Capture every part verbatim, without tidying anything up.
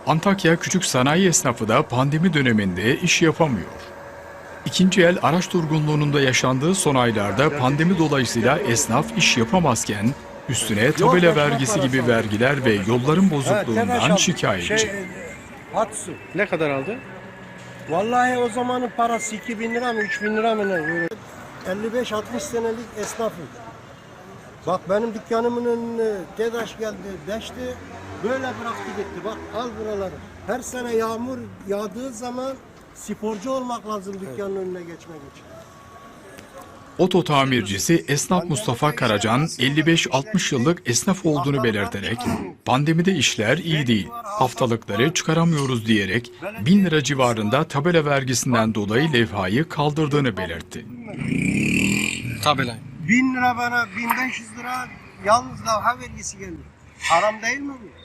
Antakya küçük sanayi esnafı da pandemi döneminde iş yapamıyor. İkinci el araç durgunluğunda yaşandığı son aylarda pandemi dolayısıyla esnaf iş yapamazken üstüne tabela vergisi gibi vergiler ve yolların bozukluğundan şikayetçi. Şey, Hatsu. Ne kadar aldı? Vallahi o zamanın parası iki bin lira mı üç bin lira mı ne? Böyle elli beş altmış senelik esnafım. Bak benim dükkanımın önüne TEDAŞ geldi, deşti. Böyle bıraktı gitti. Bak al buraları. Her sene yağmur yağdığı zaman sporcu olmak lazım dükkanın önüne geçmek için. Oto tamircisi esnaf Mustafa Karacan elli beş altmış yıllık esnaf olduğunu belirterek pandemide işler iyi değil, haftalıkları çıkaramıyoruz diyerek bin lira civarında tabela vergisinden dolayı levhayı kaldırdığını belirtti. Tabela. Bin lira bana bin beş yüz lira yalnız lavha vergisi geliyor. Haram değil mi bu?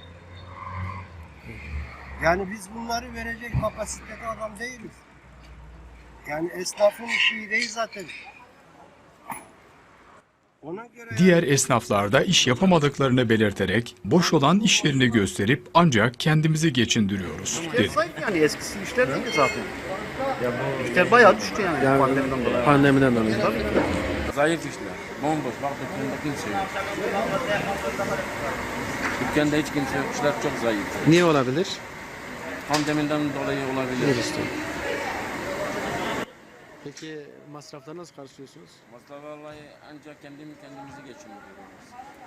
Yani biz bunları verecek kapasitede adam değiliz. Yani esnafın işi iyi değil zaten. Ona göre Diğer esnaflar da iş yapamadıklarını belirterek boş olan iş yerini gösterip ancak kendimizi geçindiriyoruz dedi. Zayıf yani eskisi işler değil zaten. Ya bu işler bayağı düştü yani, Yani pandemiden dolayı. Pandemiden dolayı. Tabii ki. Zayıf işler. Bomboş. Bak dükkanda kimse yok. Dükkanda hiç kimse yok. İşler çok zayıf. Niye olabilir? Pandemiden dolayı olabilir. Virüsten. Peki masrafları nasıl karşılıyorsunuz? Masraf vallahi ancak kendimi kendimizi geçindiriyoruz.